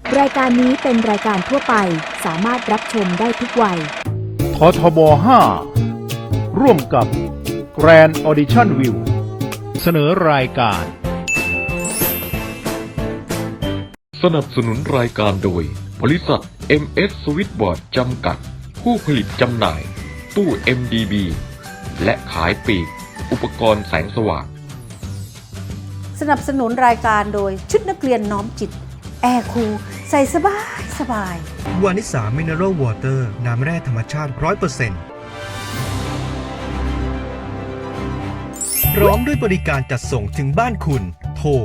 รายการนี้เป็นรายการทั่วไปสามารถรับชมได้ทุกวัยททบ 5 ร่วมกับ Grand Audition View เสนอรายการสนับสนุนรายการโดยบริษัท MS Switchboard จำกัดผู้ผลิตจำหน่ายตู้ MDB และขายปลีกอุปกรณ์แสงสว่างสนับสนุนรายการโดยชุดนักเรียนน้อมจิตแอร์คูลใส่สบายวานิสามิเนอรัลวอเตอร์น้ำแร่ธรรมชาติ 100%พร้อมด้วยบริการจัดส่งถึงบ้านคุณโทร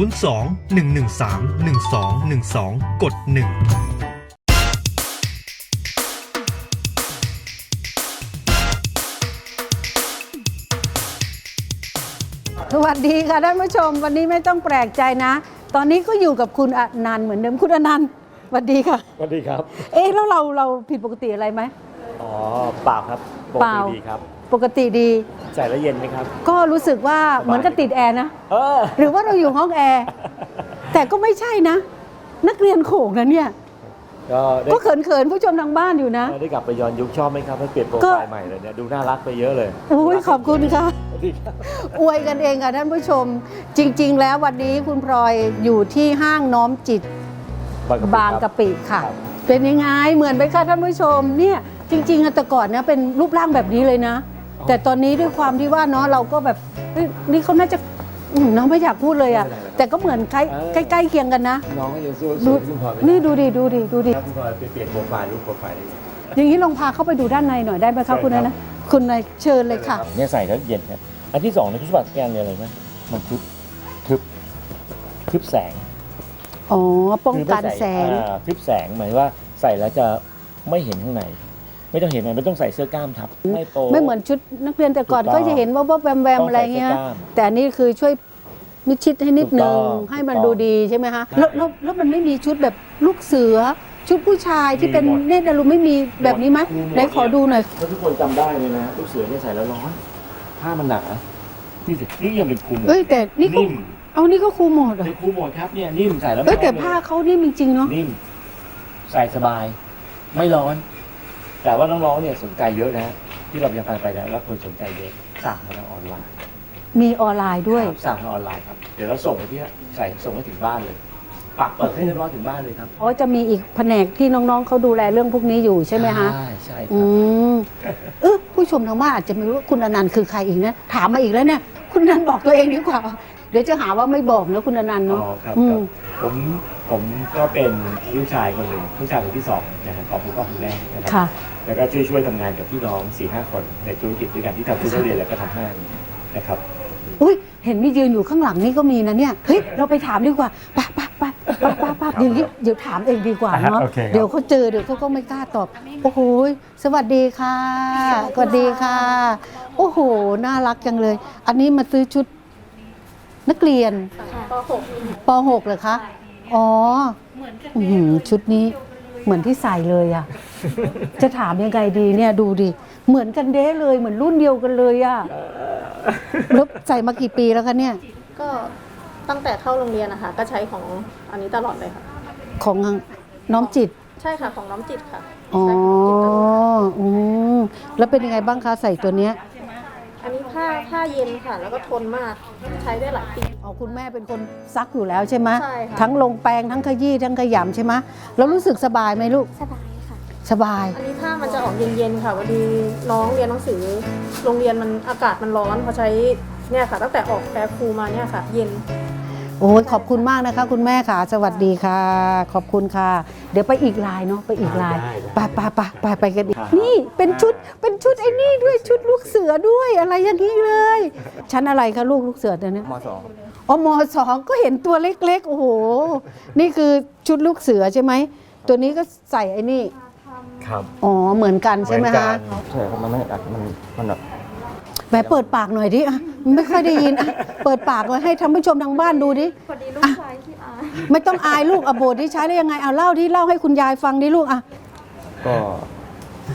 02-113-1212 กด 1 สวัสดีค่ะท่านผู้ชมวันนี้ไม่ต้องแปลกใจนะตอนนี้ก็อยู่กับคุณอนันต์เหมือนเดิมคุณอนันต์สวัสดีค่ะสวัสดีครับแล้วเราผิดปกติอะไรไหมอ๋อเปล่าครับปกติดีครับปกติดีใส่แล้วเย็นไหมครับก็รู้สึกว่าเหมือนกับติดแอร์นะหรือว่าเราอยู่ห้องแอร์แต่ก็ไม่ใช่นะนักเรียนโขงนะเนี่ยก็เขินๆผู้ชมทางบ้านอยู่นะได้กลับไปย้อนยุคชอบไหมครับให้เปลี่ยนโปรไฟล์ใหม่เลยเนี่ยดูน่ารักไปเยอะเลยอุ้ยขอบคุณค่ะอวยกันเองค่ะท่านผู้ชมจริงๆแล้ววันนี้คุณพลอยอยู่ที่ห้างน้อมจิตบางกะปิค่ะเป็นยังไงเหมือนไหมคะท่านผู้ชมเนี่ยจริงๆแต่ก่อนเนี่ยเป็นรูปร่างแบบนี้เลยนะแต่ตอนนี้ด้วยความที่ว่าเนาะเราก็แบบนี่เขาน่าจะน้องไม่อยากพูดเลยอ่ะแต่ก็เหมือนใกล้เคียงกันนะน้องก็ยังสู้คุณพลอยนี่ดูดิคุณพลอยไปเปลี่ยนโปรไฟล์รูปโปรไฟล์ได้อย่างนี้ลองพาเข้าไปดูด้านในหน่อยได้ไหมคะคุณนะคุณนายเชิญเลยค่ะเนี่ยใส่แล้วเย็นครับอันที่สองในคุณสมบัติแกนเนี่ยอะไรไหมมันทึบแสงอ๋อป้องกันแสงทึบแสงหมายว่าใส่แล้วจะไม่เห็นข้างในไม่ต้องเห็นไม่ต้องใส่เสื้อกล้ามทับไม่เหมือนชุดนักเรียนแต่ก่อนก็จะเห็นว่าแวมอะไรเงี้ยแต่อันนี้คือช่วยมิดชิดให้นิดนึงให้มันดูดีใช่ไหมคะแล้วมันไม่มีชุดแบบลูกเสือชุดผู้ชายที่เป็นเนตรดารุไม่มีแบบนี้ไหมไหนขอดูหน่อยทุกคนจำได้เลยนะลูกเสือเนี่ยใส่แล้วร้อนผ้ามันหนานี่ยังเป็นคูหมดแต่นี่ก็เอานี่ก็คูหมดเป็นคูหมดครับเนี่ยนิ่มใส่แล้วแต่ผ้าเขานิ่มจริงๆเนาะนิ่มใส่สบายไม่ร้อนแต่ว่าน้องๆเนี่ยสนใจเยอะนะที่เรายังไปแล้วคนสนใจเยอะสั่งมาทางออนไลน์มีออนไลน์ด้วยสั่งทางออนไลน์ครับเดี๋ยวเราส่งไปที่ส่งให้ถึงบ้านเลยปักเปิดให้เรียบร้อยถึงบ้านเลยครับจะมีอีกแผนกที่น้องๆเขาดูแลเรื่องพวกนี้อยู่ใช่ไหมคะใช่ครับผู้ชมทางบ้านอาจจะไม่รู้ว่าคุณอนันต์คือใครอีกนะถามมาอีกแล้วเนี่ยคุณอนันต์บอกตัวเองดีกว่าเดี๋ยวจะหาว่าไม่บอกนะคุณอนันต์เนาะครับผมก็เป็นลูกชายคนหนึ่งลูกชายคนที่สองนะครับของคุณพ่อคุณแม่นะครับแล้วก็ช่วยทำงานกับพี่น้อง 4-5 คนในธุรกิจด้วยกันที่ทำธุรกิจแล้วก็ทำห้างนะครับเห็นมียืนอยู่ข้างหลังนี่ก็มีนะเนี่ยเฮ้ยเราไปถามดีกว่าไปอย่างนี้เดี๋ยวถามเองดีกว่าเนาะเดี๋ยวเขาเจอเดี๋ยวเขาก็ไม่กล้าตอบโอ้โหสวัสดีค่ะสวัสดีค่ะโอ้โหน่ารักจังเลยอันนี้มาซื้อชุดนักเรียนป .6 เหรอคะอ๋อชุดนี้เหมือนที่ใส่เลยอ่ะจะถามยังไงดีเนี่ยดูดิเหมือนกันเด้เลยเหมือนรุ่นเดียวกันเลยอ่ะแล้วใส่มากี่ปีแล้วคะเนี่ยก็ตั้งแต่เข้าโรงเรียนนะคะก็ใช้ของอันนี้ตลอดเลยค่ะของน้อมจิตใช่ค่ะของน้อมจิตค่ะอ๋อแล้วเป็นยังไงบ้างคะใส่ตัวเนี้ยอันนี้ผ้าเย็นค่ะแล้วก็ทนมากใช้ได้หลายปีคุณแม่เป็นคนซักอยู่แล้วใช่ไหมใช่ค่ะทั้งลงแปรงทั้งขยี้ทั้งขยำใช่ไหมแล้วรู้สึกสบายไหมลูกสบายค่ะสบายอันนี้ผ้ามันจะออกเย็นๆค่ะวันดีน้องเรียนหนังสือโรงเรียนมันอากาศมันร้อนพอใช้เนี่ยค่ะตั้งแต่ออกแอร์คูลมาเนี่ยค่ะเย็นโอ้ยขอบคุณมากนะคะคุณแม่ค่ะสวัสดีค่ะขอบคุณค่ะเดี๋ยวไปอีกลายเนาะไปอีกลายไปกันอีกนี่เป็นชุดไอ้นี่ด้วยชุดลูกเสือด้วยอะไรอย่างนี้เลยชั้นอะไรคะลูกเสือเนี่ยม.2 ม.2ก็เห็นตัวเล็กๆโอ้โหนี่คือชุดลูกเสือใช่ไหมตัวนี้ก็ใส่ไอ้นี่ครับเหมือนกันใช่ไหมคะใช่ครับมันไม่อัดมันแบบแม่เปิดปากหน่อยดิไม่ค่อยได้ยินเปิดปากเลยให้ท่านผู้ชมทางบ้านดูดิพอดีลูกชายที่อายไม่ต้องอายลูกโบที่ใช้ได้ยังไงเอาเล่าให้คุณยายฟังดิลูกก็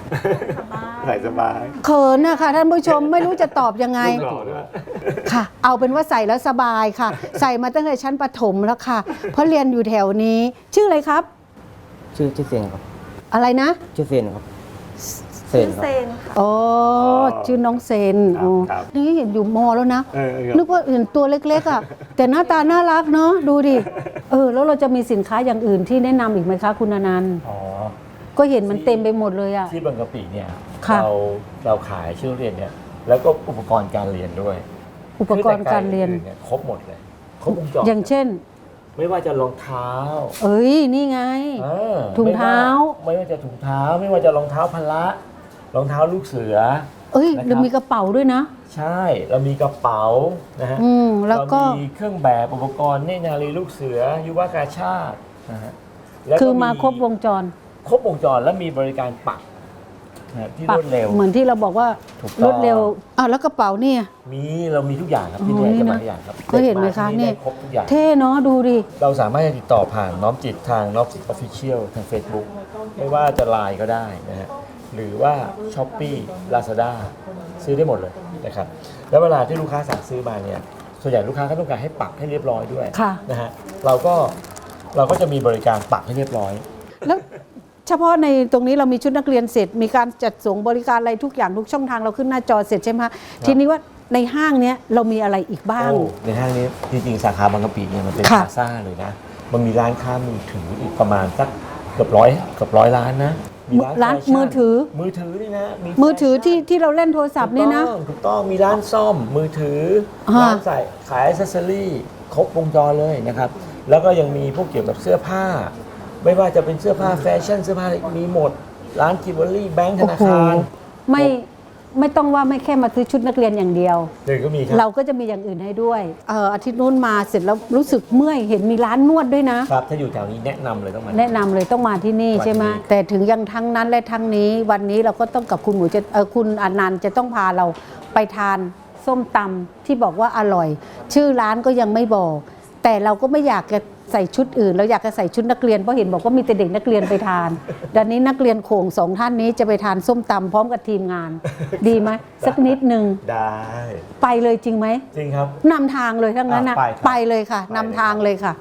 ใส่สบายเขินนะคะท่านผู้ชมไม่รู้จะตอบยังไงลูกหล่อด้วยค่ะ เอาเป็นว่าใส่แล้วสบายค่ะ ใส่มาตั้งแต่ชั้นประถมแล้วค่ะ เพราะเรียนอยู่แถวนี้ ชื่ออะไรครับชื่อเซนครับอะไรนะชื่อเซนครับเซนครับอ๋อชื่อน้องเซนอ๋อครับนี่เห็นอยู่มอแล้วนะครับนึกว่าเห็นตัวเล็กๆอ่ะ แต่หน้าตาน่ารักเนาะดูดิแล้วเราจะมีสินค้าอย่างอื่นที่แนะนำอีกไหมคะคุณอนันต์อ๋อก็เห็นมันเต็มไปหมดเลยอ่ะที่บางกะปิเนี่ยค่ะเราขายชื่อเรียนเนี่ยแล้วก็อุปกรณ์การเรียนด้วยอุปกรณ์การเรียนคือแต่ครบหมดเลยครบวงจรอย่างเช่นไม่ว่าจะรองเท้าเอ้ยนี่ไงเออถุงเท้าไม่ว่าจะถุงเท้า ไม่ว่าจะรองเท้าพละรองเท้าลูกเสือเอ้ยนะครับเรามีกระเป๋าด้วยนะใช่เรามีกระเป๋านะฮะแล้วก็เรามีเครื่องแบบอุปกรณ์เนตรนารีลูกเสือยุวกาชาตินะฮะแล้วก็คือมาครบวงจรครบวงจรแล้วมีบริการปักนะที่รวดเร็วเหมือนที่เราบอกว่าถูกต้องรวดเร็วแล้วกระเป๋าเนี่ยเรามีทุกอย่างครับที่เนี่ยนี่จะนะมาทุกอย่างครับก็เห็นไหมคะด็กาที่เนี่ยได้ครบทุกอย่างเท่เนาะดูดิเราสามารถจะติดต่อผ่านน้อมจิตทางน้อมจิตออฟฟิเชียลทาง Facebook ไม่ว่าจะไลน์ก็ได้นะฮะหรือว่า s h อ p e e Lazada ซื้อได้หมดเลยนะครับแล้วเวลาที่ลูกค้าสั่งซื้อมาเนี่ยส่วนใหญ่ลูกค้าก็ต้องการให้ปักให้เรียบร้อยด้วยค่ะนะฮะเราก็จะมีบริการปักให้เรียบร้อยแล้วเฉพาะในตรงนี้เรามีชุดนักเรียนเสร็จ มีการจัดส่งบริการอะไรทุกอย่างทุกช่องทางเราขึ้นหน้าจอเสร็จใช่ไหมคะทีนี้ว่าในห้างเนี้ยเรามีอะไรอีกบ้างในห้างนี้จริงๆสาขาบางกะปิเนี่ยมันเป็นค่ะพลาซ่าเลยนะมันมีร้านค้ามือถืออีกประมาณสักเกือบร้อยร้านนะมีร้านแฟชั่มือถือนี่นะมือถือแฟชั่นที่เราเล่นโทรศัพท์เนี่ยนะถูกต้องมีร้านซ่อมมือถือฮะร้านใส่ขายอ c เซสซอรี่ครบวงจรเลยนะครับแล้วก็ยังมีพวกเกี่ยวกับเสื้อผ้า ไม่ว่าจะเป็นเสื้อผ้าแฟชั่นเสื้อผ้าอะไรมีหมดร้านจิวเวลรี่แบงค์ธนาคารไม่ต้องว่าไม่แค่มาซื้อชุดนักเรียนอย่างเดียวเดี๋ยวก็มีครัเราก็จะมีอย่างอื่นให้ด้วยอาทิตย์นู้นมาเสร็จแล้วรู้สึกเมื่อยเห็นมีร้านนวดด้วยนะครับถ้าอยู่แถวนี้แนะนำเลยต้องมาแนะนำเลยต้องมาที่นี่มาที่ใช่ไหมนี่แต่ถึงยังทั้งนั้นและทั้งนี้วันนี้เราก็ต้องกับคุณหมูคุณอนันต์จะต้องพาเราไปทานส้มตำที่บอกว่าอร่อย ชื่อร้านก็ยังไม่บอก แต่เราก็ไม่อยากจะใส่ชุดอื่นเราอยากจะใส่ชุดนักเรียนเพราะเห็นบอกว่ามีแต่เด็กนักเรียนไปทานดังนี้นักเรียนโขงสองท่านนี้จะไปทานส้มตำพร้อมกับทีมงาน ดีไหมสักนิดนึงได้ไปเลยจริงไหมจริงครับนำทางเลยทั้งนั้นนะไปครับไปเลยค่ะไปเลยนำทางเลยค่ะ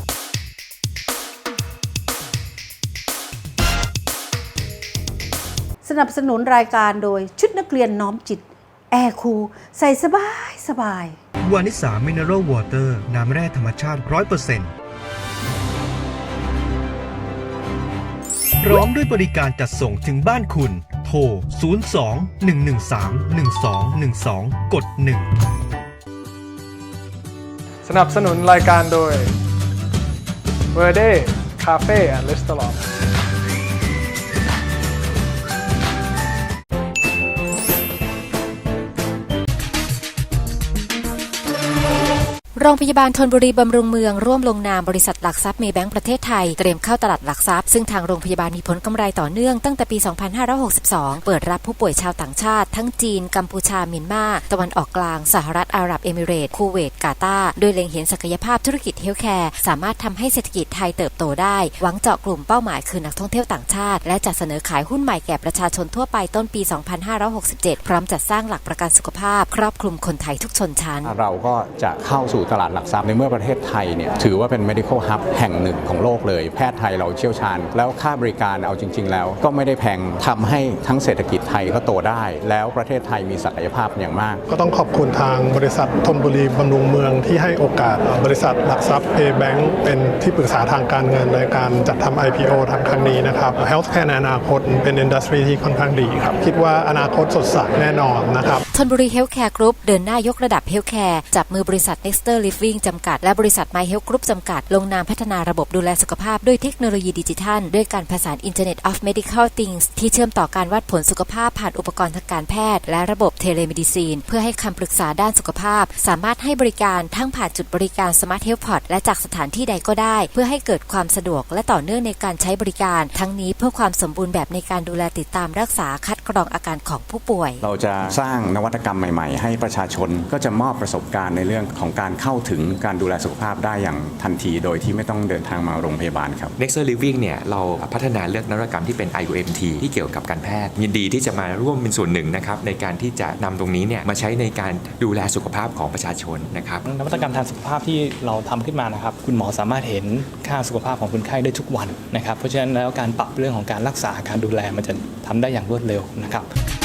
สนับสนุนรายการโดยชุดนักเรียนน้อมจิต แอร์คูลใส่สบายวานิสามินเนอรัลวอเตอร์น้ำแร่ธรรมชาติ 100%พร้อมด้วยบริการจัดส่งถึงบ้านคุณ โทร 02-113-1212 กด 1 สนับสนุนรายการโดย Verde Cafe and Restaurant โรงพยาบาลธนบุรีบำรุงเมืองร่วมลงนามบริษัทหลักทรัพย์เมย์แบงก์ประเทศไทยเตรียมเข้าตลาดหลักทรัพย์ซึ่งทางโรงพยาบาลมีผลกำไรต่อเนื่องตั้งแต่ปี 2562 เปิดรับผู้ป่วยชาวต่างชาติทั้งจีนกัมพูชาเมียนมาตะวันออกกลางสหรัฐอาหรับเอมิเรตส์คูเวตกาตาร์โดยเล็งเห็นศักยภาพธุรกิจเฮลท์แคร์สามารถทำให้เศรษฐกิจไทยเติบโตได้หวังเจาะกลุ่มเป้าหมายคือนักท่องเที่ยวต่างชาติและจัดเสนอขายหุ้นใหม่แก่ประชาชนทั่วไปต้นปี 2567 พร้อมจัดสร้างหลักประกันสุขภาพครอบคลุมคนไทยทุกชนชั้นเราก็จะเข้าสู่ตลาดหลักทรัพย์ในเมื่อประเทศไทยเนี่ยถือว่าเป็น medical hub แห่งหนึ่งของโลกเลยแพทย์ไทยเราเชี่ยวชาญแล้วค่าบริการเอาจริงๆแล้วก็ไม่ได้แพงทำให้ทั้งเศรษฐกิจไทยก็โตได้แล้วประเทศไทยมีศักยภาพอย่างมากก็ต้องขอบคุณทางบริษัทธนบุรีบำรุงเมืองที่ให้โอกาสบริษัทหลักทรัพย์ A Bank เป็นที่ปรึกษาทางการเงินในการจัดทำ IPO ทางครั้งนี้นะครับ Healthcare ในอนาคตเป็นอินดัสทรีที่ค่อนข้างดีครับคิดว่าอนาคตสดใสแน่นอนนะครับธนบุรีเฮลท์แคร์กรุ๊ปเดินหน้ายกระดับเฮลท์แคร์จับมือบริษัท Nexter Living จำกัดและบริษัท My Health Group จำกัดลงนามพัฒนาระบบดูแลสุขภาพด้วยเทคโนโลยีดิจิทัลด้วยการผสาน Internet of Medical Things ที่เชื่อมต่อการวัดผลสุขภาพผ่านอุปกรณ์ทางการแพทย์และระบบเทเลเมดิซีนเพื่อให้คำปรึกษาด้านสุขภาพสามารถให้บริการทั้งผ่านจุดบริการ Smart Health Pod และจากสถานที่ใดก็ได้เพื่อให้เกิดความสะดวกและต่อเนื่องในการใช้บริการทั้งนี้เพื่อความสมบูรณ์แบบในการดูแลติดตามรักษาคัดกรองอาการของผู้ป่วยเราจะสร้างนวัตกรรมใหม่ๆให้ประชาชนก็จะมอบประสบการณ์ในเรื่องของการเข้าเข้าถึงการดูแลสุขภาพได้อย่างทันทีโดยที่ไม่ต้องเดินทางมาโรงพยาบาลครับ Nexus Living เนี่ยเราพัฒนาเลือกนวัตกรรมที่เป็น IUMT ที่เกี่ยวกับการแพทย์ยินดีที่จะมาร่วมเป็นส่วนหนึ่งนะครับในการที่จะนำตรงนี้เนี่ยมาใช้ในการดูแลสุขภาพของประชาชนนะครับนวัตกรรมทางสุขภาพที่เราทำขึ้นมานะครับคุณหมอสามารถเห็นค่าสุขภาพของคนไข้ได้ทุกวันนะครับเพราะฉะนั้นแล้วการปรับเรื่องของการรักษาการดูแลมันจะทำได้อย่างรวดเร็วนะครับ